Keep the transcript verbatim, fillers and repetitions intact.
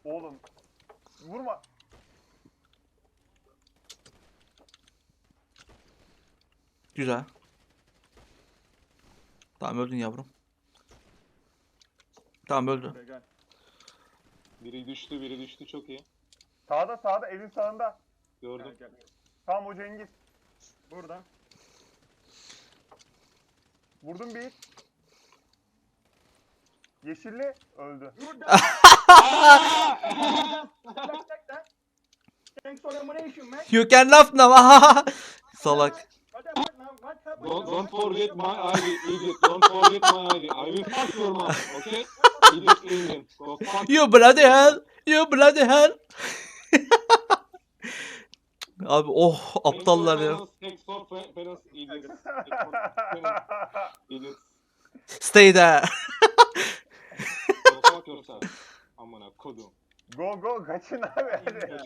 Oğlum. Vurma. Güzel. Tamam öldün yavrum. Tamam öldü. Gel, gel. Biri düştü, biri düştü. Çok iyi. Sağda sağda evin sağında. Gördüm. Gel gel. Tamam o Cengiz. Burada. Vurdum bir. Yeşilli öldü. Burada. Bak bak bak. Thanks for the donation, man. You can laugh now. Salak. What happened now? What happened Don't, now? don't forget my I D, idiot. Don't forget my I D. I will fuck your mom, okay? Idiot Indian. Go fuck. You bloody hell. You bloody hell. Abi oh aptallar ya. Thanks for pa- parents, idiots. Thanks for parents, idiots. Stay there. Go fuck yourself. Amına kodum. Go go kaçın abi hadi.